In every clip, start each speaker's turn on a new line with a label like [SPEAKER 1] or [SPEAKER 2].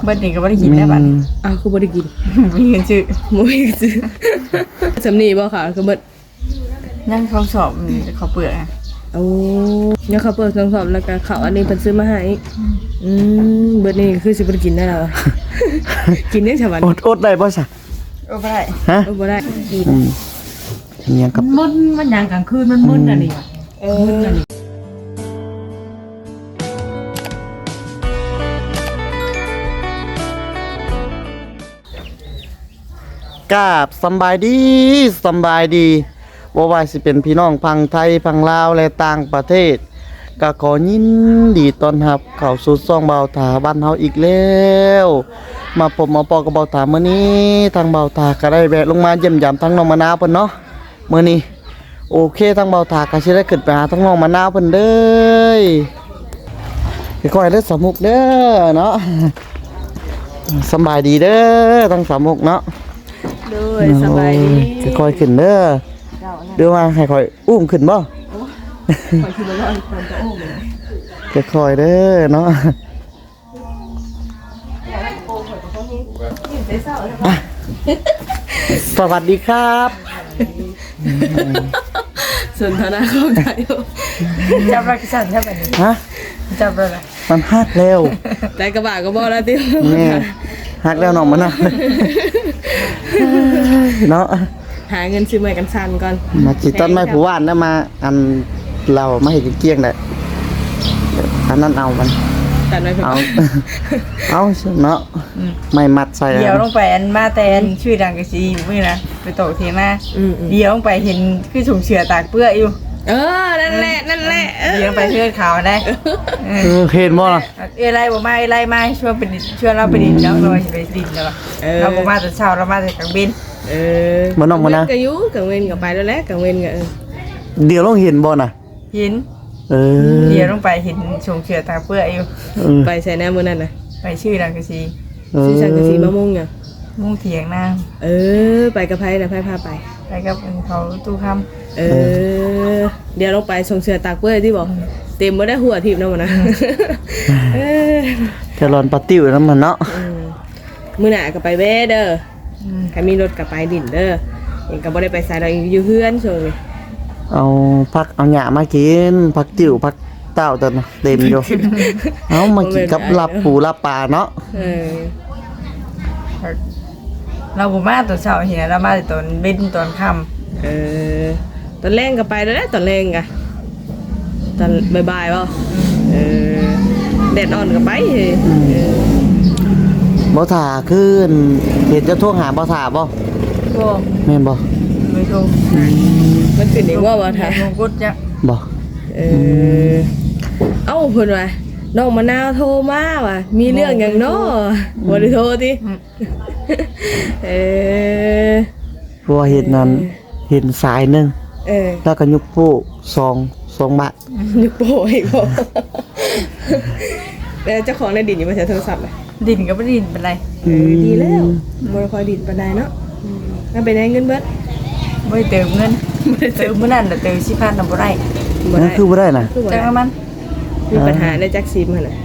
[SPEAKER 1] เบิดนี่ก็บ่ได้กินได้บัด
[SPEAKER 2] อ้าวคือบ่ได้กิน
[SPEAKER 1] มีเงินซื้อ
[SPEAKER 2] บ่มีซื้อสำนีบ่ค่ะคือเบิด
[SPEAKER 1] ยังเขาสอบเขาเปลือกอะ
[SPEAKER 2] โอ้ยังเขาเปิดเครื่องสอบแล้วก็เขาอันนี้เพิ่นซื้อมาให้เบิดนี่คือสิบ่ได้กินได้แล้ว กินยังฉบัน
[SPEAKER 3] อดได้บ่ซะ
[SPEAKER 1] โอ้บ่ได้
[SPEAKER 3] ฮะ
[SPEAKER 2] บ่ได้กิน
[SPEAKER 3] เนี่ยกับ
[SPEAKER 1] มันยางกลางคืนมันมึนอันนี้
[SPEAKER 2] มึนอันนี้
[SPEAKER 3] กราบสำบายดีสำบายดีบ่ว่าสิเป็นพี่น้องพังไทยพังลาวและต่างประเทศก็ขอยินดีต้อนรับเข้าสู่ช่องเบาถาบ้านเฮาอีกแล้วมาพบมาปอกับเบาถามื้อนี้ทางเบาถาก็ได้แวะลงมาเยี่ยมยามทั้งน้องมะนาวเพิ่นเนาะมื้อนี้โอเคทางเบาถาก็สิได้ขึ้นไปหาทั้งน้องมะนาวเพิ่นเด้อค่อยๆเด้อสามุกเด้อเนาะสำบายดีเด้อทั้งสามุกเนาะ
[SPEAKER 2] ด้วยสบายดี
[SPEAKER 3] ค่อยๆขึ้นเด้อเดี๋ยวว่าให้ค่อยอุ้มขึ้นบ่
[SPEAKER 2] ขอคิดว่าคนจะโอ้เลย
[SPEAKER 3] ค่อยๆเด้อเนาะสวัสดีครับ
[SPEAKER 2] สนทนาเข้าใจอยู่
[SPEAKER 1] จับรักสั่นใช่บัดนี้
[SPEAKER 3] ฮะ
[SPEAKER 1] จับเลยล่ะ
[SPEAKER 3] มันฮักแล้ว
[SPEAKER 2] แต่กระบะก็บ่แล้วติ
[SPEAKER 3] นี่ฮักแล้วน้องมันนะเนาะ
[SPEAKER 2] หาเงินซื้อใหม่กันซันก่อน
[SPEAKER 3] มาจิตต้นไม้ผู้ว่านแล้วมาอันเรามาเห็นเกลี้ยงได้อันนั้นเอามัน
[SPEAKER 2] ตัดไว้เพิ่น
[SPEAKER 3] เอาเอาเนาะไม่มัดใส่
[SPEAKER 1] เดี๋ยวลงไปอันมาแต่อันชื่อดังกะซีมื้อนะไปโตเทียงหน้าเดี๋ยวลงไปเห็นคือถุงเชือตากเปื้ออยู่
[SPEAKER 2] นั่นแหละ
[SPEAKER 1] เดี๋ยวลงไปเพื่อนเขาได้
[SPEAKER 3] เห็นบ่ล่ะ
[SPEAKER 1] ไรบ่มาไรมาช่วยไปช่วยเราไปดินแล้วเราจะไปดินแล้วเราบ่มาแต่เช้าเรามาแต่กลางบิน
[SPEAKER 3] มันน้องมันนะ
[SPEAKER 2] ก็อยู่กังเว้นก็ไปแล้วแหละกังเว้นก็
[SPEAKER 3] เดี๋ยวลองเห็นบ่น่ะ
[SPEAKER 1] เห็น เดี๋ยวลงไปเห็นชงเชือตากเปื้ออยู่
[SPEAKER 2] ไปใส่แน่มื้อนั้นน่ะ
[SPEAKER 1] ไปชื่อดังกะซี
[SPEAKER 2] สิสั่งกะสิมะม่วงหยัง
[SPEAKER 1] มุ่งเถียงหน้า
[SPEAKER 2] ไปกับไผน่ะไผพาไป
[SPEAKER 1] ไปกับเขาตู้ค
[SPEAKER 2] เดี๋ยวลงไปส่งเสือตากเปื้อยที่บอกเต็มบ่ได้หัวทิพย์นำนะ
[SPEAKER 3] แครอนปาติ้วน้ำมันเนาะ
[SPEAKER 2] มื้อหน้าก็ไปแว่เด้อใครมีรถก็ไปดินเด้อเองก็บ่ได้ไปไสดอกอยู่เฮือนช่วงนี้
[SPEAKER 3] เอาผักเอาหญ้ามากินผักติ๋วผักเต้าตัวน่ะเต็มอยู่ เอามากินกับลาบปูลาบปลาเนาะ
[SPEAKER 1] ำเราบ่มาตอนเช้าเห็นเรามาแต่ตอนเบ็นตอนค่
[SPEAKER 2] ตอนแรงก็ไปแล้วแหละตอนแรงก็ตอนบ่ายๆบ่แดดอ่อนก็ไปเฮ้ย
[SPEAKER 3] บ่ถ่าขึ้นเห็นจะโทรหาบ่ถ่าบ่
[SPEAKER 1] ำโอ้
[SPEAKER 3] แม่นบ่
[SPEAKER 1] ไม่ถูก
[SPEAKER 2] มันขึ้นอีกว่าบ่ท่า
[SPEAKER 1] มงกุฎจ้ะ
[SPEAKER 3] บ่
[SPEAKER 2] เอ้าเพิ่นว่าน้องมะนาวโทรมาว่ะมีเรื่องหยังเนาะบ่ได้โทรติ
[SPEAKER 3] เพราะว่าเห็นนั้นเห็นสายหนึง
[SPEAKER 2] เออ
[SPEAKER 3] แล้วก็ยกโป้2บาท
[SPEAKER 2] นึกโป้อีกบ่แล้วเจ้าของในดินอยู่มาใช้โทรศัพท์อ่ะ
[SPEAKER 1] ดินก็บ่ดินเป็นไร
[SPEAKER 2] ดีแล้วบ่ได้ค่อยดินปานใดเนาะถ้าไปได้เงินเบิด
[SPEAKER 1] บ่ได้เติมเงินบ่ได้เติมมื้อนั้นน่ะเติม10,000น่ะบ่ได้
[SPEAKER 2] บ่
[SPEAKER 3] นั่
[SPEAKER 2] ได้
[SPEAKER 3] นคือบ่ได้น่ะ
[SPEAKER 2] คือบ่
[SPEAKER 1] จั
[SPEAKER 2] ได้
[SPEAKER 1] งมัน
[SPEAKER 2] มีปัญหาในจักซิมหั่นน่ะ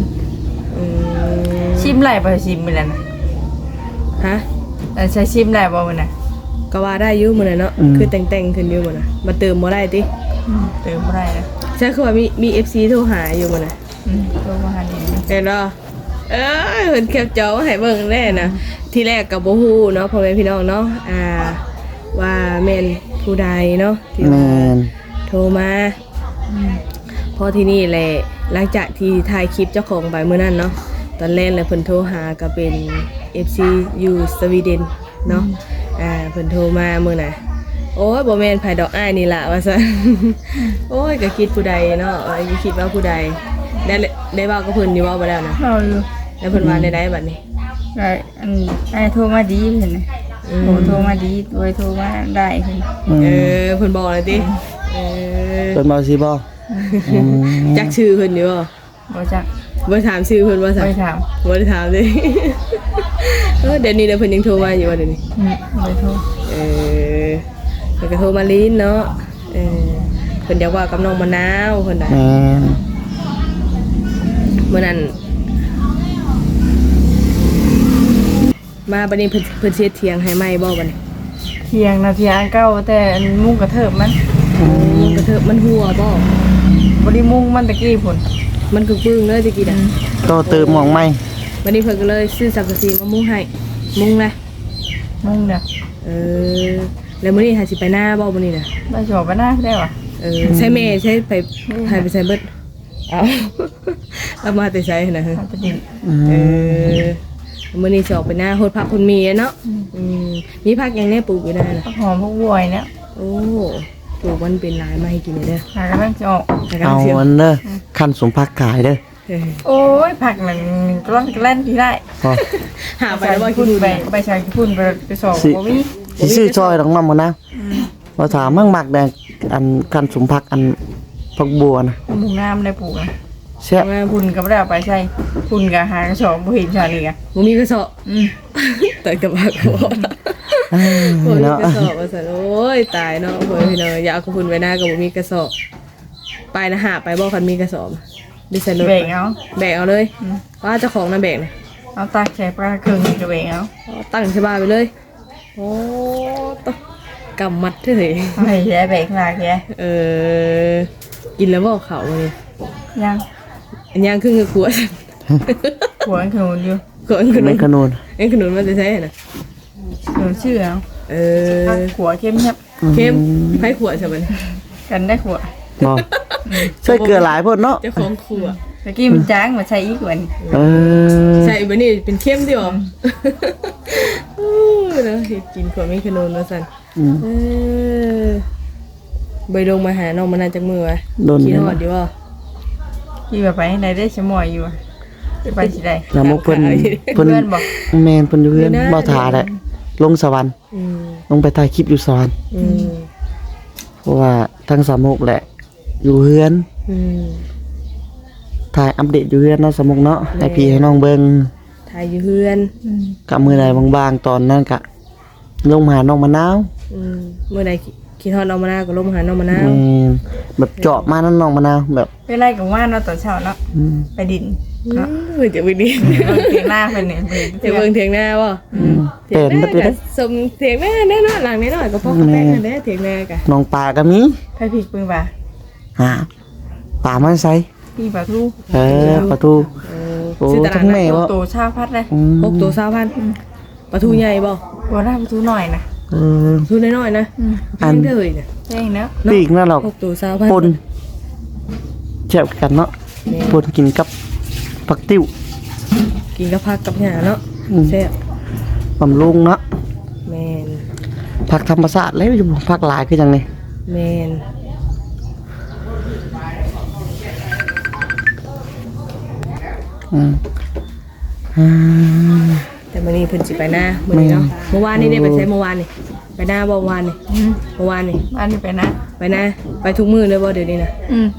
[SPEAKER 1] ชิมไหลบ่ชิมมื้อนั้นน่ะ
[SPEAKER 2] ฮะ
[SPEAKER 1] ใช้ชิมได้บ่มื้อน่ะ
[SPEAKER 2] ก็ว่าได้อยู่มื้อนั้นเนาะคือแต่งๆขึ้นอยู่มื้อน่ะมาเติมบ่ได้ติ
[SPEAKER 1] เติมบ่ได้นะ
[SPEAKER 2] ใช่คือว่ามี FC โทรหาอยู่มื้อน่ะ
[SPEAKER 1] โทรมาหาดิน
[SPEAKER 2] เห็นบ่เพิ่นแคปจอมาให้เบิ่งแน่นะที่แรกก็บ่ฮู้เนาะพ่อแม่พี่น้องเนาะว่าแม่นผู้ใดเนาะที่
[SPEAKER 3] แม่
[SPEAKER 2] ว่าน โทรมาพอที่นี่แหละหลังจากที่ถ่ายคลิปเจ้าของไปมื้อนั้นเนาะตอนแรกเลยเพิ่นโทรหาก็เป็น FC อยู่สวีเดนเนาะเพิ่นโทรมามื้อน่ะโอ้ยบ่แม่นไผดอกอ้ายนี่ล่ะว่าซั่น โอ้ยก็คิดผู้ใดเนาะคิดว่าผู้ใดได้เว้ากับเพิ่นอยู่เว้าบ่แล้วนะ
[SPEAKER 1] เราอยู่
[SPEAKER 2] แล้วเพิ่นว่าได้บัดนี้
[SPEAKER 1] ไอ้โทรมาดีเห็นไหมโทรมาดีโดยโทรมาได้เห็น
[SPEAKER 2] เพิ่นบอกเลยติเออ
[SPEAKER 3] เป็นบ่สิบ่
[SPEAKER 2] จักชื่อเพิ่นอยู่บ่
[SPEAKER 1] บ่จัก
[SPEAKER 2] บ่ถามชื่อเพิ่นว่าซั่น
[SPEAKER 1] ไม่ถาม
[SPEAKER 2] บ่ได้ถามเด้ เดี๋ยวนี้เพิ่นยังโทรมาอยู่ว่าเดี๋ยวนี้
[SPEAKER 1] ไม่โทร
[SPEAKER 2] เพิ่นก็โทรมาลิ้นเนาะเพิ่นอยากว่ากับน้องมะนาวเพิ่นน่ะ
[SPEAKER 3] แม่น
[SPEAKER 2] มื้อนั้นมาบัดนี้เพิ่นเฮ็ดเถียงให้ใหม่บ่บัดนี้
[SPEAKER 1] เทียงนะเทียงเก้าแต่อันมุ้งกระเทิบมัน
[SPEAKER 2] กระเถิบมันหัวบ่
[SPEAKER 1] บ่ได้มุ้งมันตะกี้พุ่น
[SPEAKER 2] มันคือปึ้งเลยตะกี้น่ะ
[SPEAKER 3] โตเติมหมองไหม
[SPEAKER 2] บัดนี้เพิ่นก็เลยซื้อสังกะสีมามุงให้มุงนะ
[SPEAKER 1] มุ้งเด้อ
[SPEAKER 2] เออแล้วมื้อนี้หาสิไปหน้าบ่มื้อนี้น่ะ
[SPEAKER 1] บ่ชอบไปหน้าได้ว่ะ
[SPEAKER 2] ใช้เมย์ใช้ไปใช้เบิดเอาเอามาแต่ใช้นะ
[SPEAKER 1] มันจะดิน
[SPEAKER 2] เออมื้อนี้สิออกไปหน้าโหดผักคนมีเนาะมีผักยังได้ปลูกอยู่ได้น่ะ
[SPEAKER 1] ผักหอมพวกบวยเนี่ย
[SPEAKER 2] โอ้ปลูกมันเป็นหลายมาให้กินเด้อ
[SPEAKER 1] หากำลังจะออก
[SPEAKER 3] เอาอันเด้อขั้นสมพักขายเด้อ
[SPEAKER 1] โอ้ยผักมันกล้อนกระแล่นที่ได้
[SPEAKER 3] พอ
[SPEAKER 2] หาไปแล้วว่ากิ
[SPEAKER 1] พุ่
[SPEAKER 2] น
[SPEAKER 1] นไปชายพุ่นไปสอบบ่มี
[SPEAKER 3] สิซื้อซอยดอกน้ำมานะว่าถามมั่งมักแดงอันขั้นสมพักอันพักบัวนะ
[SPEAKER 1] หมูงามได้ปลูกนะ
[SPEAKER 3] แซ่บ
[SPEAKER 1] พุ่นก็บ่ได้เอาไปใช้พุ่นก็หากระสอบบ่เห็นชาลีกะ
[SPEAKER 2] บ่มีกระสอบแต่กับผักบ่บ่มี
[SPEAKER 3] เนาะ
[SPEAKER 2] กระสอบว่าซั่นโอ้ยตายเนาะเพิ่นพี่น้องอย่าเอาคุณไว้หน้าก็บ่มีกระสอบไปนะหาไปบ่คันมีกระสอบดิฉันรถ
[SPEAKER 1] แบ่งเอา
[SPEAKER 2] แบกเอาเลยว่าเจ้าของน่ะแบกนะ
[SPEAKER 1] เอาตักใส่ปลาเครื่องนี่ก็แบ่งเอา
[SPEAKER 2] ตั้งใช่บ้านไปเลย โอ้ตะกำมัดเฉย
[SPEAKER 1] เอาให้แย่แบ่งลากแย่
[SPEAKER 2] กินแล้วบอกเขาเลย
[SPEAKER 1] ยัง
[SPEAKER 2] อันย่างครึ่งกับขวด
[SPEAKER 1] หัวขนุนอยู่
[SPEAKER 2] ขวดขนุ
[SPEAKER 3] ไม่
[SPEAKER 2] น
[SPEAKER 3] ขนุน
[SPEAKER 2] เอ็นขนุนมันจะใช่น่ะ
[SPEAKER 1] ขนุนชื่อเอาขัวเข้มครับ
[SPEAKER 2] เข้มให้ขวดใช่ไหม
[SPEAKER 1] กันได้ขัว
[SPEAKER 3] บ่ใส่เกลือหลายพ่นเนาะ
[SPEAKER 2] เจ้าของขวด
[SPEAKER 1] ตะกี้มันจ้างมาใช้อีกวัน
[SPEAKER 3] เออ
[SPEAKER 2] ใส่แบบนี้เป็นเข้มดิอ๋อเนาะกินขวดไม่ขนุนมาสั่นใบดงมาหาน้องมันน่าจะมือวะ
[SPEAKER 3] โดน
[SPEAKER 2] กิน
[SPEAKER 3] เนี่ย
[SPEAKER 2] หอดดีว่า
[SPEAKER 1] ที่แบบไปไหนได้ชะมอยอยู่ไปสิได้
[SPEAKER 3] แล้วมุกเพิ่น
[SPEAKER 1] เพื่อนบอก
[SPEAKER 3] แม่นเพิ่นอยู่เฮือนบ่ทาแหละลงสวรรค์ลงไปถ่ายคลิปอยู่สวรรค์เพราะว่าทั้งสามมุกแหละ อยู่เฮือนถ่ายอัปเดตอยู่เฮือนเนาะสามมุกเนาะให้พี่ให้น้องเบิ่ง
[SPEAKER 2] ถ่ายอยู่เฮือน
[SPEAKER 3] กับมื้อใดบางๆตอนนั้นก็ลงมาหาน้องมะนาว
[SPEAKER 2] เมื่อใดคิดฮอดน้องมะนาวก็ลงมาหาน้องมะนาว
[SPEAKER 3] แบบเจาะมานั่นน้องมะนาวแบบ
[SPEAKER 1] ไปไล่กับว่านเนาะตอนเช้าเนาะไปดินเนาะ
[SPEAKER 2] จะไปดี
[SPEAKER 1] เตียงหน้าเป็นเนี่ย
[SPEAKER 2] เถียงเบิ่งเถียงหน้าบ่
[SPEAKER 3] เป็น
[SPEAKER 2] ห
[SPEAKER 3] บั
[SPEAKER 2] น้า
[SPEAKER 3] ดนี้
[SPEAKER 2] ก็สมเถียงหน้าแน่นอนหลังนิดหน่อยก็พอแป้งกันได้เถียงหน้ากะ
[SPEAKER 3] น้องปลาก็มี
[SPEAKER 1] ไปผิดปืนป่ะ
[SPEAKER 3] ปลามันใส่
[SPEAKER 1] พี่ป่าทู
[SPEAKER 3] ประตูโอ้
[SPEAKER 2] ซื้อตลา
[SPEAKER 3] ทั้
[SPEAKER 2] ด
[SPEAKER 3] ง
[SPEAKER 2] นั
[SPEAKER 3] แม่
[SPEAKER 2] ด
[SPEAKER 3] บ่
[SPEAKER 1] โตชาพัดเลย
[SPEAKER 2] 6ตัว20,000ปลาทูใหญ่บ่
[SPEAKER 1] บัวหน้าประตูหน่อยนะ
[SPEAKER 2] ทูน้อยๆนะแพงเด้อน่ะ
[SPEAKER 1] แจ้งเนาะ
[SPEAKER 3] ปีกนั่นหรอก
[SPEAKER 2] 6ตัว20,000
[SPEAKER 3] ปนแซ่บกันเนาะปนกินกับผักติ้ว
[SPEAKER 2] กินกับผักกับหญ้าเนาะแซ่บบ
[SPEAKER 3] ำรุงเนาะ
[SPEAKER 2] แม่น
[SPEAKER 3] ผักธรรมชาติแล้วอยู่ผักหลายคือจังได๋
[SPEAKER 2] แม่น แต่มื้อนี้เพิ่นสิไปหน้ามื้อนี้เนาะเมื่อวานนี่ได้ไปใช้เมื่อวานนี่ไปหน้าบ่วานนี่เมื่อวานนี่
[SPEAKER 1] บ้านนี้ไปนะ
[SPEAKER 2] ไปหน้าไปทุกมื้อเลยบ่เดี๋ยวนี้นะ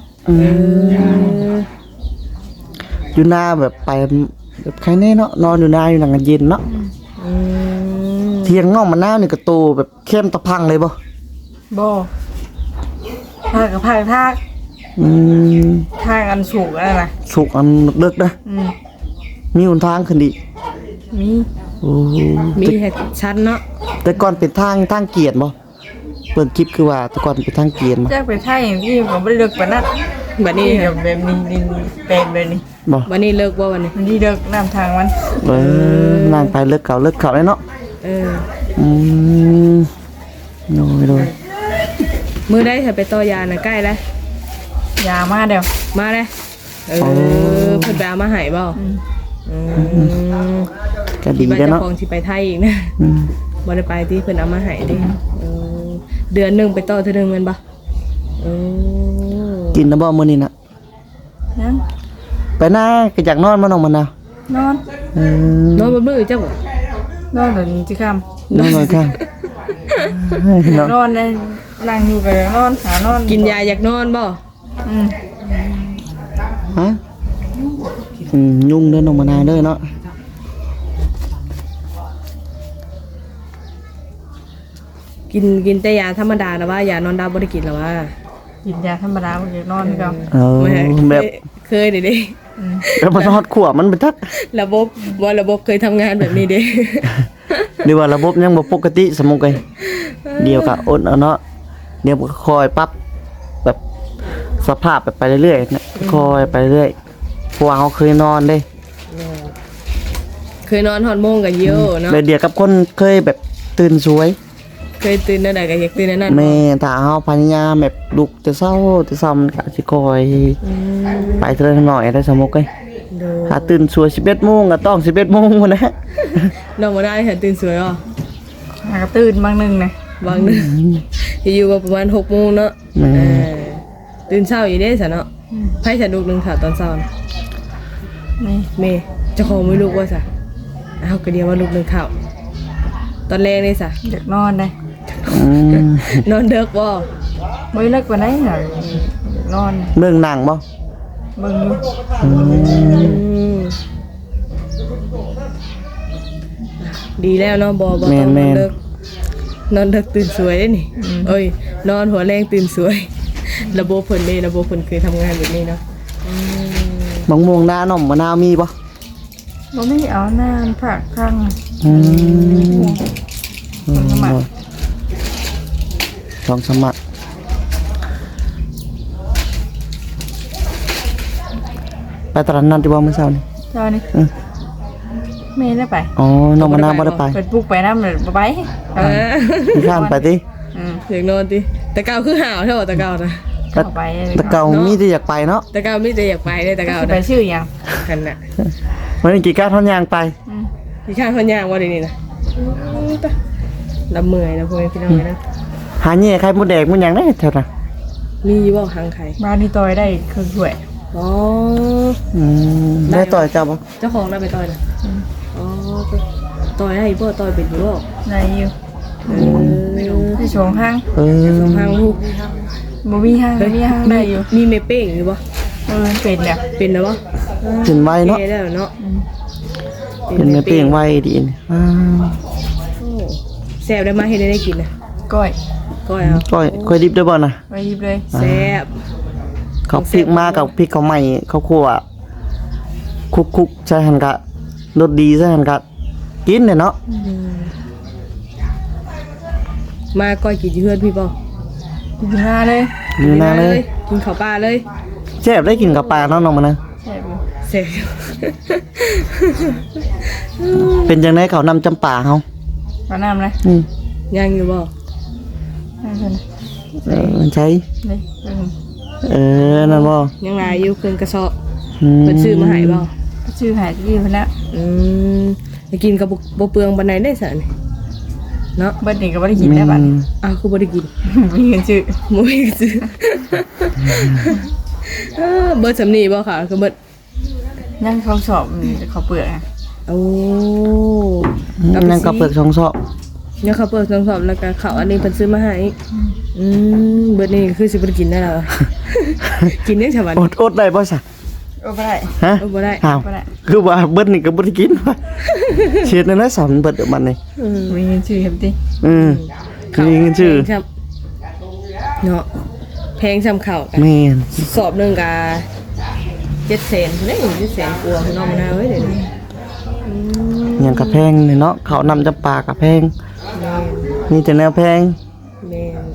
[SPEAKER 3] อยู่หน้าแบบไปแบบใครแน่เนาะนอนอยู่หน้าอยู่หนังกันเย็นเนาะเที่ยงน้องมะนาวนี่ก็โตแบบเข้มตะพังเลยบ่
[SPEAKER 1] บ่ภาคกับภาคทากทากอันสูงอะไรนะ
[SPEAKER 3] สุกอันเลิกนะมีหนทางขึ้นอีก
[SPEAKER 1] มี
[SPEAKER 3] โอ้
[SPEAKER 2] มีแค่ชั้นเนาะ
[SPEAKER 3] แต่ก่อนเป็นทางเกียรติบ่เปิดคลิปคือว่าแต่ก่อนเป็นทางเกียรติบ่
[SPEAKER 1] จากไปไทยอย่างที่ก็ไม่เลิกปานนั้น
[SPEAKER 2] บัดนี้
[SPEAKER 1] นี่แบบนี้ดินเป็นแบบนี้
[SPEAKER 3] บ่
[SPEAKER 2] บัดนี้เลิกบ่วันนี้
[SPEAKER 1] มันที่เลิกน้ำทางมัน
[SPEAKER 3] นั่งไปเลิกเก่าเลยเนาะ อืมโดย
[SPEAKER 2] มื้อใดถ้าไปต่อยาน่ะใกล้แล้ว
[SPEAKER 1] ยามาเดี๋ยว
[SPEAKER 2] มาแล้วเพิ่นไปเอามาให้บ่
[SPEAKER 3] ก็ดี
[SPEAKER 2] ว่า
[SPEAKER 3] แล้ว
[SPEAKER 2] เจ้า
[SPEAKER 3] เนาะ
[SPEAKER 2] ของสิไปไทยอีกนะบ่ได้ไปที่เพิ่นเอามาให้เด้เดือนหนึงไปต่อเทื่อนึงแม่นบ่
[SPEAKER 3] กินนะบ่มื้อนี้น่ะ
[SPEAKER 1] ยัง
[SPEAKER 3] ไปหน้าก็อยากนอนมาน้องมะนาวน
[SPEAKER 1] อน
[SPEAKER 2] นอนบ่มื้อจ้ะบ่
[SPEAKER 1] นอนเดี๋ยวนี้จะค
[SPEAKER 3] นอนหน่อยค่ะ
[SPEAKER 1] ำนอนเลยนั่งอยู่กับนอนหานอน
[SPEAKER 2] กินยาอยากนอนบ่
[SPEAKER 3] ฮะยุ่งเด้อน้องมะนาวเด้อเนาะ
[SPEAKER 2] กินแต่ยาธรรมดานะว่ายานอนดาวบ่ได้กินหรอว่า
[SPEAKER 1] กินยาธรรมดามันจะนอนก็
[SPEAKER 3] แบบ
[SPEAKER 2] เคยเด้
[SPEAKER 3] แล้วมันฮอดขวบมันเป็นทัก
[SPEAKER 2] ระบบเคยทำงานแบบนี้เด้
[SPEAKER 3] หรือว่าระบบยังบ่ปกติสมมุติไงเดี๋ยวก็อดเอาเนาะเดี๋ยวก็คอยปรับแบบสภาพแบบไปเรื่อยๆนะคอยไปเรื่อยเพราะว่าเขาเคยนอนเด้
[SPEAKER 2] เคยนอนฮอดโมงกันเยอะเนาะ
[SPEAKER 3] แบบเดียวกับคนเคยแบบตื่นสวย
[SPEAKER 2] เคยตื่นนั่นใดก็อยากตื่นนั่น
[SPEAKER 3] แม่ถ้าเฮาพยายามแบบลุกแต่เช้ามันก็สิคอยไปเทื่อหน่อยได้สมมุติไง
[SPEAKER 2] โด
[SPEAKER 3] ถ้าตื่นสวย11โมงก็ต้อง11โมงพุ่นนะ
[SPEAKER 2] น้องบ่ได้ค่ะตื่นสวยอ่ะ
[SPEAKER 1] หากตื่นบางนึงนะ
[SPEAKER 2] บางนึงอยู่ว่าประมาณ6โมงเนาะตื่นเช้าอยู่เด้ซะเนาะไผจะลูกนึงค่ะตอนเช้า
[SPEAKER 1] นี่
[SPEAKER 2] แม่เจ้าของไม่ลูกว่าซะอ้าวก็เดียวว่าลูกนึงข้าวตอนแรกนี่ซะ
[SPEAKER 1] อยากนอนเลย
[SPEAKER 2] นอนเด็กบ่
[SPEAKER 1] ไม่เลิกกว่านั้นหน่อยอยากนอน
[SPEAKER 3] เรื่องหนังบ่
[SPEAKER 1] เบิ่งอยู่
[SPEAKER 2] ดีแล้วเนาะบ่ต้องนอนเด็กนอนเด็กตื่นสวยนี่เอ้ยนอนหัวแรงตื่นสวย ระบบเพิ่นนี่ระบบเพิ่นเคยทำงานแบบนี้เนาะ
[SPEAKER 3] มะม่วงหน้าหน่อมมะนาวมีบ่
[SPEAKER 1] บ่มีเอานานผักข้าง
[SPEAKER 3] สมัครลองสมัครไปตลาดนัดที่บ่เมื่อเช้านี่
[SPEAKER 1] เจ้านี่แม่ได้ไป
[SPEAKER 3] อ๋อน้องมะนาวบ่ได้ไป
[SPEAKER 1] เปิดปลุกไปนำเลยบ่ไป
[SPEAKER 3] พี่ข้านไปติ
[SPEAKER 2] อยากนอนติแต่เก่าคือห่าวเท่าแต่เก่านะ
[SPEAKER 1] เข้าไป
[SPEAKER 3] แต่เก่ามีแต่อยากไปเนาะ
[SPEAKER 2] แต่เก่ามีแต่อยากไปได้แต่เก่า
[SPEAKER 1] สิไป
[SPEAKER 2] นะ
[SPEAKER 1] ชื่อหยัง
[SPEAKER 2] กันน่ะ
[SPEAKER 3] วันนี้กี่ก้าวท่อนยางไป
[SPEAKER 2] พี่ข้างคนย่างว่าเดี๋ยวนี้นะลำเมื่อยนะพวกพี่น้องนะ
[SPEAKER 3] หาแย่ไข่มดแดงมันหยังได้แถวน่ะ
[SPEAKER 2] มีอยู่บ่หางไข่
[SPEAKER 1] บ้านนี่ต่อยได้เครื่องถ้วย
[SPEAKER 2] อ๋อ
[SPEAKER 3] ได้ต่อยเจ้าบ่
[SPEAKER 2] เจ้าของได้ไปต่อยนะอ๋อต่อยได้บ่ต่อยเป็นอยู่บ่
[SPEAKER 1] ได้อยู่
[SPEAKER 2] เออ
[SPEAKER 1] ที่ชงห้าง
[SPEAKER 2] สองหางลูก
[SPEAKER 1] บ่มีห้างมีห้างได้อยู่
[SPEAKER 2] มีเมเป้งอยู่บ่
[SPEAKER 1] เป็นเนี่ย
[SPEAKER 2] เป็นแล้วบ่
[SPEAKER 3] กินไว้เนาะ
[SPEAKER 2] เได้เนาะ
[SPEAKER 3] เป็นไม่เปลี่ยงไว้ดีนี่
[SPEAKER 2] โอ้แซ่บได้มาให้ได้กินนะ
[SPEAKER 1] ก้อย
[SPEAKER 2] ก้อยเอา
[SPEAKER 3] ก้อยดิบได้บ่น่ะ
[SPEAKER 1] ไปหยิบเลย
[SPEAKER 2] แซ่บ
[SPEAKER 3] เขาพริกมากับพริกเขาใหม่เขาคั่วคุกๆใส่หั่นกะรสดีใส่หั่นกะกินเนี่ยเนาะ
[SPEAKER 2] มาก้อยกินอยู่เฮือนพี่บ่
[SPEAKER 1] อยู่หน้าเลย
[SPEAKER 3] อยู่หน้าเลย
[SPEAKER 2] กินข้าวปลาเลย
[SPEAKER 3] แซ่บได้กินกับปลาเนาะน้องมันนะ
[SPEAKER 1] แซ่บอยู่
[SPEAKER 2] แซ่บ
[SPEAKER 3] เป็นจังได๋เขานำจำปาเฮา
[SPEAKER 1] มาน้ำเลย
[SPEAKER 2] ยังอยู่บ่
[SPEAKER 1] นั่นใช่ไหม
[SPEAKER 3] มันใช้
[SPEAKER 1] นี่
[SPEAKER 3] นั่นบ่
[SPEAKER 2] ยังหลายอยู่เครื่องกระสอบ
[SPEAKER 3] อื
[SPEAKER 2] เพิ่นซื้อมาให้บ่
[SPEAKER 1] ชื่อหายที่พนัก
[SPEAKER 2] ไปกินกับบ่เปลืองปานใดได้ซะนี่เนาะ
[SPEAKER 1] เบิดนี่ก็ไม่ได้กินได้บัด
[SPEAKER 2] อ้าวคือบ่ได้กิน
[SPEAKER 1] มีเงินชื่อ
[SPEAKER 2] บ่มีซื้อเบิดสำนีบ่ค่ะคือเบิด
[SPEAKER 1] นั่งเขาสอบเขาเปลือกอะ
[SPEAKER 2] โอ้
[SPEAKER 3] นั่นก็เปลือกช่องซอก
[SPEAKER 2] เนี่ยเขาเปิดสอบแล้วก็เขาอันนี้เพิ่นซื้อมาให้เบิดนี่คือสิบ่ได้กินได้แล้ว กินยังฉบับ
[SPEAKER 3] อดได้บ่ซะ
[SPEAKER 1] โอ้ไม่ได้
[SPEAKER 3] ฮะ
[SPEAKER 2] บ่ได้
[SPEAKER 3] อ้าว
[SPEAKER 1] ไม่ได้
[SPEAKER 3] คือว่าเบิดนี่ก็บ่ได้กินว่ะเช็ดนั่นนะสอนเบิดเดี๋ยวมันนี่
[SPEAKER 1] มีเงินชื่อเห็นดิ
[SPEAKER 3] มีเงินชื่อ
[SPEAKER 2] แพงครับเนาะแพงซ้ำข้าวกัน
[SPEAKER 3] แม่น
[SPEAKER 2] สอบหนึงก็700,000เด้700,000กว่าพี่น้องมานะเว้ยเดี๋ยวนี้
[SPEAKER 3] หยังก็แพงนี่เนาะเขานำจำปาก็แพงมีแต่แนวแพง
[SPEAKER 2] แม่น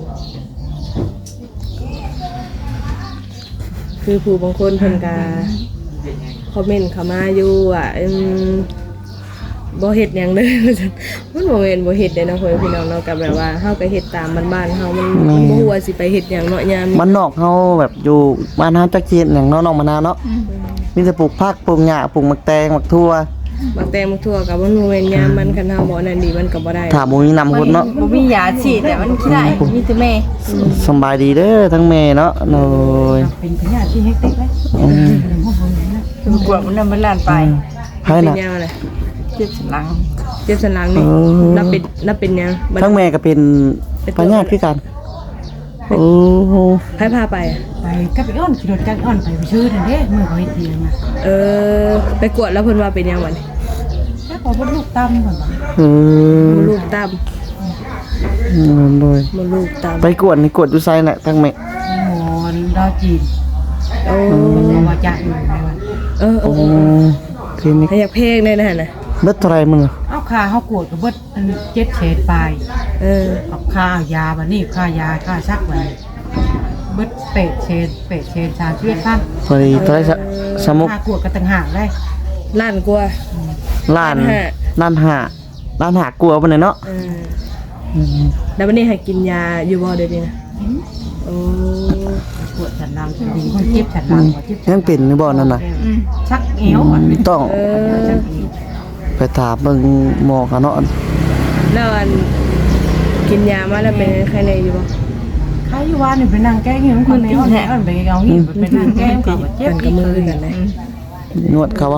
[SPEAKER 2] คือผู้บางคนเพิ่นก็คอมเมนต์เข้ามาอยู่ว่าบ่เฮ็ดหยังเลย มันบ่แม่นบ่เฮ็ดเด้เนาะพ่อพี่น้องเนาะก็แบบว่าเฮาก็เฮ็ดตามบ้านๆเฮามันบ่ฮู้ว่าสิไปเฮ็ดหยังเนาะยาม
[SPEAKER 3] มันนอกเฮาแบบอยู่บ้านเฮาจักเฮ็ดหยังเนาะน้องมะนาวเนาะมีแต่ปลูกผักปลูกหญ้าปลูกหมักแตงหมักทั่ว
[SPEAKER 2] บางแตงบางทั่วก็บ่รู้แม่นยามมันคันเฮาบ่นั่นดีมันก็บ่ได้
[SPEAKER 3] ถ้าบ่มีน้ำพุดเนาะ
[SPEAKER 1] บ่มียาฉีดแต่มันขี้ได้มีแต่แม่
[SPEAKER 3] สำบายดีเด้อทั้งแม่เนาะโอ้ย
[SPEAKER 1] เป็นพยาธิที่เฮกเต็กเลยกวดมันนำมันลานไป
[SPEAKER 3] ไผน่ะ
[SPEAKER 2] เป็นยามอะไร
[SPEAKER 1] เจ็บสันหลัง
[SPEAKER 2] เจ็บสันหลังนี่นับเป็นยามบัด
[SPEAKER 3] ทั้งแม่ก็เป็นพญาติคือกันโอ้โห
[SPEAKER 2] ให้พาไปอะ
[SPEAKER 4] ไปกับอีอ้อนขี่รถจักรอ้อนไปชื่อนั่นเด้เมื่อเขาเฮ็ดเพียงนะ
[SPEAKER 2] ไปกวดแล้วเพิ่นว่าเป็นยังวัน
[SPEAKER 4] ถ้าขอบ่ลูกตั้มก่อนบ่
[SPEAKER 2] มลูกตาม
[SPEAKER 3] โดย
[SPEAKER 2] มลูกตาม
[SPEAKER 3] ไปกวดนี่กวดอยู่ไสน่ะทั้งแม่
[SPEAKER 4] หมอนดาวจีน
[SPEAKER 2] โอ้
[SPEAKER 4] บอกว่าจะอยู่ในวัน
[SPEAKER 2] เออ
[SPEAKER 3] โอ้คลินิก
[SPEAKER 2] ให้อยากเพลงได้นะน่ะ
[SPEAKER 3] เบิดเท่าไหร่มึงอะ
[SPEAKER 4] เอ้าขค่าเฮากวดก็เบิดอัน7เศษปลายเอาค่ายาบัดนี้ค่ายาค่าซักบัดนี้เบิด8เศษ31,000
[SPEAKER 3] พอดีเท่าไหร่สมุก
[SPEAKER 4] ค่ากวดก็ต่างหากได้
[SPEAKER 2] ล้านกว่า
[SPEAKER 3] ล้าน
[SPEAKER 2] ล้านห้า
[SPEAKER 3] ล้านหากลัวปานใดเนาะ
[SPEAKER 2] แล้ววันนี้ให้กินยาอยู่บ่เดี๋ยวนี้นะโอ้
[SPEAKER 4] ปวดฉันลังฉันดีคนเจ็บฉันลังว่าเจ็บ
[SPEAKER 3] ยังเป็นอยู่บ่นั่นน่ะ
[SPEAKER 4] ชักเอวอ่ะ
[SPEAKER 3] ต้อง
[SPEAKER 4] ชักเอว
[SPEAKER 3] ไปถามเบิ่งหมอกันเนาะ
[SPEAKER 2] แล้วอันกินยามาแล้วเป็นใครในอยู่บ่
[SPEAKER 4] ใครอยู่ว่านี่ไปนั่งแก้เงี้ยคนในห้องแถวไปเอางี้ไปนั่งแก้ก็เจ็บ
[SPEAKER 2] กันกับมือกันเลย
[SPEAKER 3] นวดเขาบ่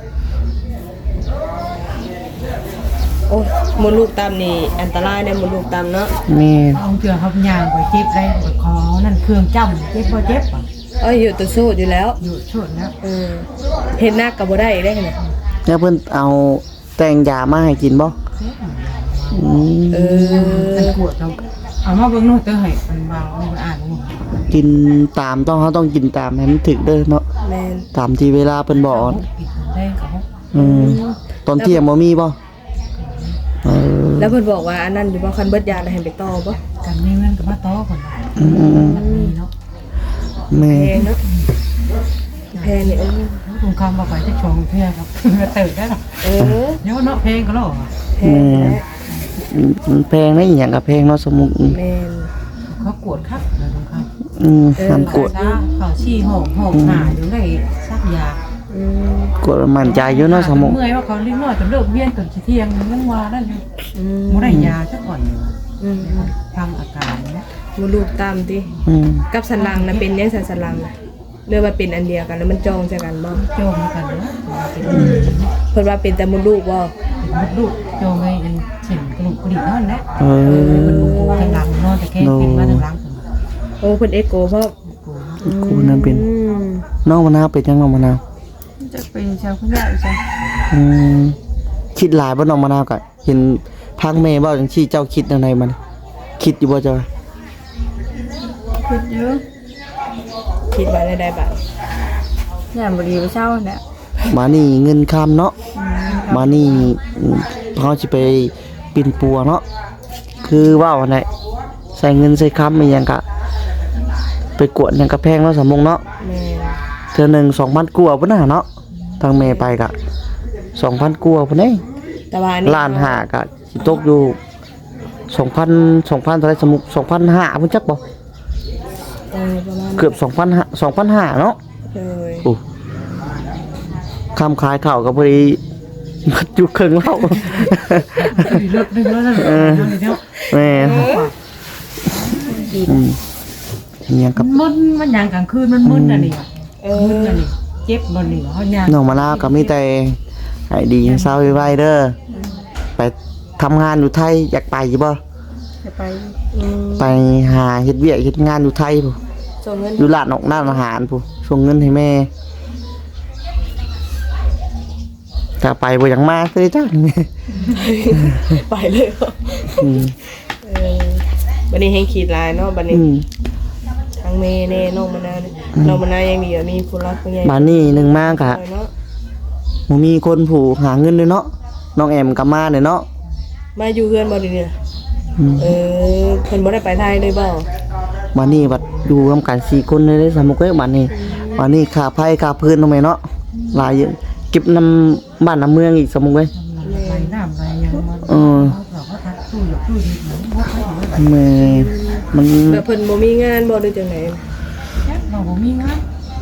[SPEAKER 2] โอ้มดลูกตามนี่อันตรายเนี่ยมดลูกตามเนาะ
[SPEAKER 3] แม่
[SPEAKER 4] เอาเถื่อเขาย่างไปเจ็บได้ไปคอนั่นเครื่องจ้ำเจ็บบ่เจ็บอ่ะ
[SPEAKER 2] อยู่ตัวสู้อยู่แล้ว
[SPEAKER 4] อยู่ช่วงแล้ว
[SPEAKER 2] เห็นหน้ากับบ่ได้ได้ขนาด
[SPEAKER 3] แล้วเพิ่นเอาแต่งยามาให้กินบ่อืม
[SPEAKER 4] มันปวดเราเอามาเบิ่งนู่นเตอให้มันเบามันอ่านนู่น
[SPEAKER 3] กินตามเขาต้องกินตามให้มันถึกเด้อเนาะ
[SPEAKER 2] แม่น
[SPEAKER 3] ตามที่เวลาเพิ่นบอก
[SPEAKER 4] กินได้กับเขา
[SPEAKER 3] ตอนเที่ยงบ่มีบ่เออ
[SPEAKER 2] แล้วเพิ่นบอกว่าอันนั้นอยู่บ่คันเบิดยาแล้วให้ไปต่อบ่
[SPEAKER 4] กันมีเงินกับมาต่อคนมันมีเนาะ
[SPEAKER 3] แม่
[SPEAKER 2] แพงเนาะแพงนี่
[SPEAKER 4] ตรงคำว่าไปจะชงเพื่อครับมาเติร์ได้หรอเนาะเพลงก็หรอ
[SPEAKER 2] แพงแล้ว
[SPEAKER 3] มันแพงนะอีหยังก็แพงเนาะสมุก
[SPEAKER 2] แม่น
[SPEAKER 4] เขากวดครับเลยตรงคำ
[SPEAKER 3] มันกด
[SPEAKER 4] เขาชี้หอมหาอยู่ได้ซักยาก
[SPEAKER 3] ดมั่นใจอยู่เนาะสมุก
[SPEAKER 4] เมื่อยว่าเขาเลี้ยงน้อยจนเลิกเวียนจนเที่ยงยังว่าได้เลยไม่ได้ยาสักก่อนอยู่ทางอาการเนี่ย
[SPEAKER 2] มดลูกตามติกับสันหลังน่ะเป็นยังสันหลังน่ะเรียกว่าเป็นอันเดียวกันแล้วมันจองใส่กันบ่
[SPEAKER 4] โจมกันเนาะ
[SPEAKER 2] เพิ่นว่าเป็นแต่มดลูกบ่
[SPEAKER 4] เป็นลูกโจมไอ้เข็มกระดูกกระดิ่งนั่นแหละ
[SPEAKER 3] มัน
[SPEAKER 4] ทางหลังนอนแต่แค่เป็นมาทางหลัง
[SPEAKER 2] โอ้เพิ่นเอ็กโกเพราะ
[SPEAKER 3] กูนั่นเป็นน้องมะนาวเป็นจังน้องมะนาว
[SPEAKER 1] จะเป็นชาวพุทธใช่
[SPEAKER 3] คิดหลายบ่น้องมะนาวก็เห็นพังแม่เว้าจังซี่เจ้าคิดจังไดมันคิดอยู่บ่เจ้า
[SPEAKER 1] คิดเยอะ
[SPEAKER 2] คิดว่าได้บาท
[SPEAKER 1] อย่างบดีไปเช่าเนี่ย
[SPEAKER 3] มานี่เงินคำเนาะมานี่เขาสิไปปิ่นปัวเนาะคือว่าวันไหนใส่เงินใส่คำอีหยังกะไปกวดหยังกะแพงเนาะสมมุงเนาะ
[SPEAKER 2] แม่
[SPEAKER 3] เทื่อหนึง 2,000กว่าพุ่นน่ะเนาะทางแม่ไปกะ 2,000กว่าพุ่นเด้
[SPEAKER 2] แต่ว่านี่
[SPEAKER 3] ล้านห้ากะสิตกอยู่ 2,000เท่าไหร่สมมุก 2,500พุ่นจักบ่
[SPEAKER 2] ประมาณ
[SPEAKER 3] เกือบ 2,500เนาะ
[SPEAKER 2] เลย
[SPEAKER 3] โอ้คำขายข้าวก็พอดีมัดอยู่ครึ่งแล้ว
[SPEAKER 4] เลิกนึงแล้วนั่นเนาะ
[SPEAKER 3] แม่ยังกับ
[SPEAKER 4] มันยังกลางคืนมันมึนอ่ะนี่มึนอ่ะนี่เจ็บมันนี่เขาเนี่ย
[SPEAKER 3] น้องมะนาวก็มีแต่ให้ดีเศร้าไว้เด้อไปทำงานอยู่ไทยอยากไปอยู่บ่
[SPEAKER 1] จะไป
[SPEAKER 3] ไปหาเฮ็ดเวียกเฮ็ดงานอยู่ไทยพู่
[SPEAKER 2] ส่งเงิน
[SPEAKER 3] อยู่ร้านออกร้านอาหารพู่ส่งเงินให้แม่ถ้าไปบ่อยากมาคือจัง
[SPEAKER 2] ไปเลยวันนี้ให้ขีดลายเนาะวันนี้ทั้งเมย์เน่น้องมะนาวน้องมะนาวยังดีอ่ะมีผู้รักผู้ใหญ่
[SPEAKER 3] บ้านนี้หนึงมากะ
[SPEAKER 2] เนาะ
[SPEAKER 3] บ่มีคนผู้หาเงินด้วยเนาะน้องแอมก็มาเด้เนาะ
[SPEAKER 2] มาอยู่เพื่อนบ่ดีเนี่ยเพิ่นบ่ได้ไปไทยเลยบ่
[SPEAKER 3] บ้านนี้บัดอยู่ร่วมกัน4คนเลยเด้สามมุกเอ้ยบ้านนี้ค่าไผค่าพื้นทำไมเนาะหลายเยอะเก็บน้ำบ้านน้ำเมืองอีกสามมุกเอ้ย
[SPEAKER 4] ไปน้ำไปยังมันเราก็ทักตู้หยกตู้ดีเหมือนว่าเขาอยู่แบบ
[SPEAKER 3] แม่มัน
[SPEAKER 2] แล้วเพิ่นบ่มีงานบ่หรือจังได๋
[SPEAKER 4] เราบ่มีงาน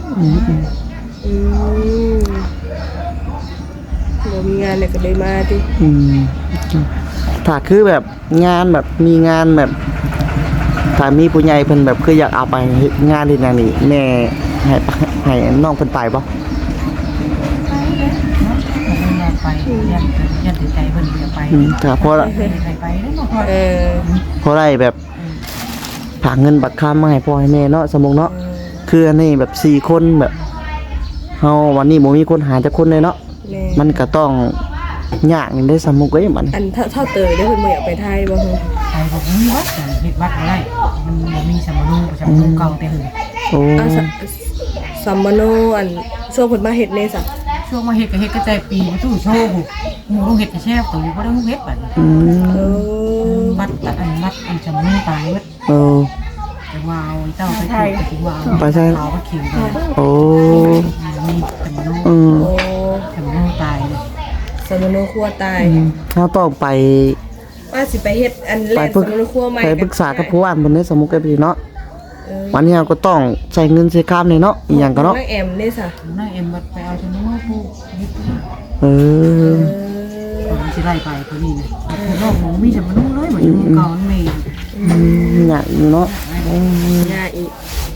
[SPEAKER 2] บ่มีงานเลยก็เลยมาติ
[SPEAKER 3] ถ้าคือแบบงานแบบมีงานแบบถ้ามีผู้ใหญ่เพิ่นแบบคืออยากเอาไปเฮ็ดงานเฮ็ดหยังนี่แม่ให้น้องเพิ่นไปบ่
[SPEAKER 4] ไปเลยเนาะเราไปยันใจเพิ่นจะไป
[SPEAKER 3] ถ้าพอละ
[SPEAKER 4] ไปนั่นเนาะ
[SPEAKER 3] พอได้แบบฝากเงินบัตรค้ามาให้พ่อให้แม่เนาะสมมุติเนาะคืออันนี้แบบ4คนแบบเฮาวันนี้บ่มีคนหาจักคนเลยเนาะมันก็ต้องยากนี่ได้สมมุติเอ้ยมัน
[SPEAKER 2] อันเท่าเตยได้เพิ่นบ่อยากไปไทยบ่ฮู้
[SPEAKER 4] ไปบ่มีวัดเฮ็ดวัดอะไรมันบ่มีสมรูเก่าแต่หึ
[SPEAKER 3] โอ้
[SPEAKER 2] สัมมโนอันช่วงเพิ่นมาเฮ็ดในซะ
[SPEAKER 4] ช่วงมาเฮ็ดก็เฮ็ดกระจายปีมาตู้โชว์หมูลงเฮ็ดกระแช่ตัวบ่ได้ลงเฮ็ดบัด
[SPEAKER 2] เออ
[SPEAKER 4] มัดอันจำมือตายเว้ย แต่ว่าเอาเจ้าไปถือว่าเอาไปขิงเลย
[SPEAKER 3] โอ้
[SPEAKER 4] มีแต่มโน
[SPEAKER 2] โอ้
[SPEAKER 4] แต่มโนตายเลย
[SPEAKER 2] สมโนครัวตาย
[SPEAKER 3] เฮาต้องไป
[SPEAKER 2] ว่าสิไปเฮ็ดอันแรกสมโนครัวใหม่
[SPEAKER 3] ไปปรึกษากับผู้ว่าเพิ่นได้สมุกกันพี่เนาะ
[SPEAKER 2] เออ
[SPEAKER 3] วันนี้เราก็ต้องใช้เงินใช้ข้ามเลยเนาะอีหยังก็เนาะ
[SPEAKER 2] นักแอมนี่ซะ
[SPEAKER 4] น้าเอ็มบัดไปเอาจนโน้ผู้ยึด
[SPEAKER 3] เออ
[SPEAKER 4] ผมสิไล่ไปตัวนี้นะโลกหมูมีแต่มโนเลยเหมือนอยู่เก่ามันมี
[SPEAKER 3] อยากอยู่เนาะ
[SPEAKER 2] ยาอีก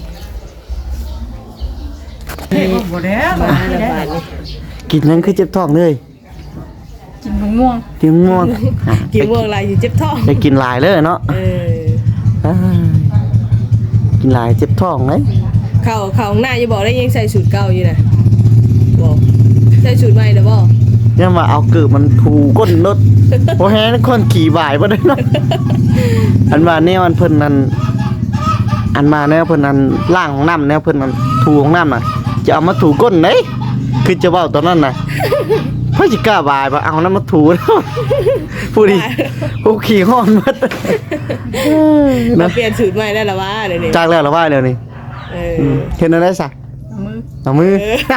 [SPEAKER 4] เฮ้ยบ่ได้
[SPEAKER 2] มาละบาดนี่
[SPEAKER 3] กินนั้นคือเจ็บท้องเลย
[SPEAKER 1] กินมะม่วง
[SPEAKER 3] กินง่วง
[SPEAKER 2] กินม่วงหลายอยู่เจ็บท้อง
[SPEAKER 3] ไปกินหลายเลยเนาะ
[SPEAKER 2] เออ
[SPEAKER 3] กินหลายเจ็บท้องเลย
[SPEAKER 2] เข้าข้างหน้าอย่าบอกได้ยังใส่สูตรเก่าอยู่น่ะบอกใส่สูตรใหม่เด้อบ่
[SPEAKER 3] เนี่ยมาเอาเกือบมันถูก้นรถโอ้แฮนคนขี่บ่ายบ่ได้เนาะอันมาเนี่ยมันเพิ่นนั่นอันมาเนี่ยเพิ่นนั่นล้างห้องน้ำเนี่ยเพิ่นนั่นถูห้องน้ำน่ะจะเอามาถูก้นเด้คือจะเว้าตอนนั้นน่ะเพิ่นสิกล้าบ่ายบ่เอานั้นมาถูผู้ดีผู้ขี่ฮ้อนหมด
[SPEAKER 2] มาเปลี่ยนสูตรใหม่ได้แล้ววะเดี๋ยวนี้
[SPEAKER 3] จากแล้วละว่าเดี๋ยวนี้
[SPEAKER 2] เออ
[SPEAKER 3] เห็นอะไรซะ
[SPEAKER 1] มือ
[SPEAKER 3] เอามือ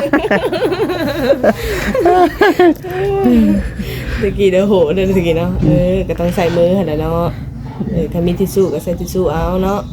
[SPEAKER 2] ตะกี้เด้อโหเด้อตะกี้เนาะก็ต้องใส่มือหั่นน่ะเนาะถ้ามีทิชชู่ก็ใส่ทิชชู่เอาเนาะ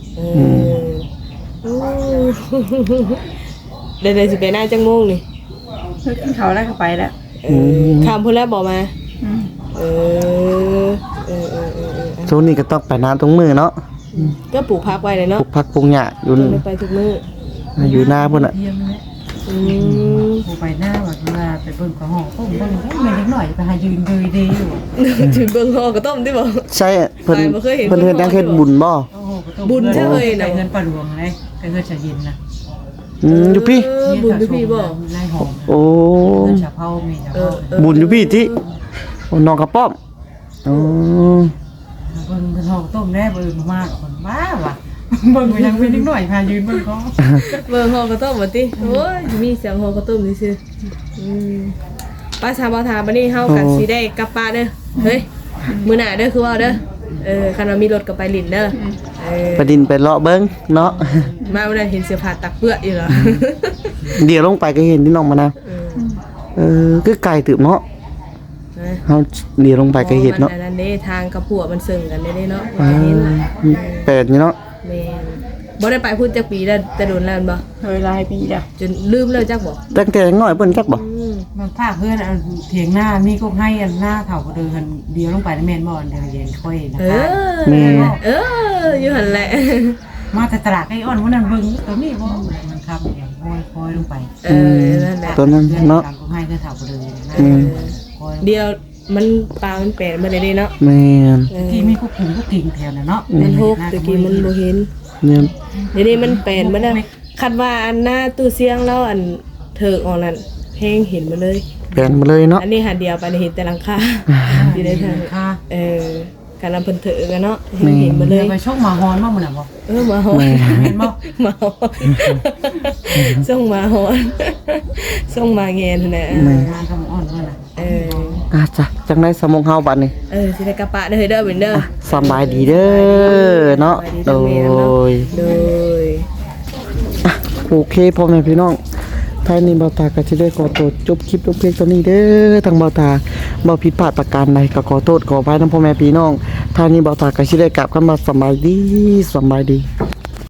[SPEAKER 2] เดี๋ยวสิไปหน้าจังโมงนี่
[SPEAKER 1] เพิ่งกินเขาวแล้วก็ไปแล้ว
[SPEAKER 2] ข้ามพุ่นแล้วบอกมา
[SPEAKER 1] อืม
[SPEAKER 2] เออ
[SPEAKER 3] ช่วงนี้ก็ต้องไปน้ำตรงมือเนาะ
[SPEAKER 2] ก็ปลูกพักไว้เลย
[SPEAKER 3] ป
[SPEAKER 2] เนาะ
[SPEAKER 3] ลูกผักปลูกหญ้าอยู่
[SPEAKER 2] ไม่ไปทุกมื้อ
[SPEAKER 3] อยู่หน้าพุ่นน่ะ
[SPEAKER 4] เยี่ยมเลย ผู้ไปหน้าแบบว่าไปเบิ่งของห้องต้มเบิ่งไม่เล็กหน่อยไปหายืนเลยดีอยู่
[SPEAKER 2] ถึงเบิ่งฮอกระต้มที่บอก
[SPEAKER 3] ใช่เพิ่น
[SPEAKER 2] ไปบ่เคยเห็น
[SPEAKER 3] เพิ่นเฮ็ดยังเฮ็ดบุญบ่
[SPEAKER 4] โอ้โหก็ต้ม
[SPEAKER 2] บุญใช่เลยนะ
[SPEAKER 4] ไปเงินปลาหลวงเลยไปเงินจะเย็นนะ
[SPEAKER 3] อยู่พี่
[SPEAKER 2] บุญอยู่พี่บ่
[SPEAKER 4] ในหอม
[SPEAKER 3] โอ้
[SPEAKER 4] เงินจะเผามีจะเผา
[SPEAKER 3] บุญอยู่พี่ที่โอ้น้องกระป้อมอ๋อ
[SPEAKER 4] เบิ่งเป็นห้องต้มแน่เบิ่งมากคนบ้าว่ะเบิ่งยังเป็นนิดหน่อยพายืนเบิ่งเขา
[SPEAKER 2] เบิ่งฮอกระต้มบ่ติโอ้ยมีเสียงฮอกระต้มซื่อป้าชาวบ่าวทาบัดนี้เฮากันสิได้กลับป้านเด้อเฮ้ยมื้อหน้าเด้อคือว่าเด้อคันว่ามีรถก็ไปลิ้นเด้อ
[SPEAKER 3] ไปดินไปเลาะเบิ่งเนาะ
[SPEAKER 2] มาวันนั้นเห็นเสื้อผ้าตักเปื้ออยู่เหรอ
[SPEAKER 3] เดี๋ยวลงไปก็เห็นที่น้องมะนาวคือไกลตึบเนาะเฮาเดี๋ยวลงไปก็เห็นเนาะ
[SPEAKER 2] อันนั้นเด้ทางกับผัวมันซึ่งกันได้เนาะ
[SPEAKER 3] แปดนี่เนาะ
[SPEAKER 2] แม่นบ่ได้ไปพูดจักปีแล้วแต่โดนแล้วบ่
[SPEAKER 1] เคยหลายปีแล้ว
[SPEAKER 2] จนลืมแล้วจักบ่
[SPEAKER 3] ตั้งแต่ยังน้อยเพิ่นจักบ่
[SPEAKER 4] มันพาเพื่อนเถียงหน้ามีก็ให้อันหน้าเถาก็เดินเดียวลงไปในแมนบอลเดินเย็นค่อยนะ
[SPEAKER 2] เอ
[SPEAKER 4] คะ
[SPEAKER 2] อเอออยู่หั่นแหละ
[SPEAKER 4] มาแต่ตลาดไอ้อ้อนวันนั้นเบิ่งตัวนี้บ่มันครับอย่างคอยลงไป
[SPEAKER 2] นั่นแหละ
[SPEAKER 3] ตอนนั้นเนาะ
[SPEAKER 4] ก็ให้ก็เถาก็เดินนะคอย
[SPEAKER 2] เดียวมันปลามันแปลนมาได้เนาะ
[SPEAKER 3] แม่น
[SPEAKER 4] ที่มีกุ๊กกุ้งกุ๊กกิ่งแถวน่ะเนาะ
[SPEAKER 2] มันหกตะกี้มันบ่เห็น
[SPEAKER 3] เนี่ย
[SPEAKER 2] เดี๋ยวนี้มันแปลนมาแล้วคันว่าอันหน้าตู้เสียงแล้วอันเถิกออกนั่นเพลงเห็นมาเลย
[SPEAKER 3] แปลนมาเลยเนาะ
[SPEAKER 2] อันนี้หาเดียวไปเห็นแต่หลังคาอยู่ในทาง
[SPEAKER 4] ค่ะ
[SPEAKER 2] การนำเพิ่นเถอะกันเนาะเห็นมาเลย
[SPEAKER 4] ไปชกหมาฮอนบ้างมื้อน่ะบ่
[SPEAKER 2] มาฮอน
[SPEAKER 4] เห็นบ่
[SPEAKER 2] มาฮอนส่งมาฮอนส่งมาแงนนะ
[SPEAKER 4] งานกับอ้อนว่าน่ะ
[SPEAKER 3] จ้ะจังได๋สมองเฮาบัดนี้
[SPEAKER 2] สิได้กระปะเด้อเด้อเป็นเด้อ
[SPEAKER 3] สบายดีเด้อเนาะโดย
[SPEAKER 2] โดย
[SPEAKER 3] โอเคพ่อแม่พี่น้องท้ายนี้เบาตาก็จะได้ขอโทษจบคลิปลงเพียงเท่านี้เด้อทางเบาตาบ่ผิดพลาดประการใดก็ขอโทษขออภัยนำพ่อแม่พี่น้องท้ายนี้เบาตาก็สิได้กลับกันมาสบายดี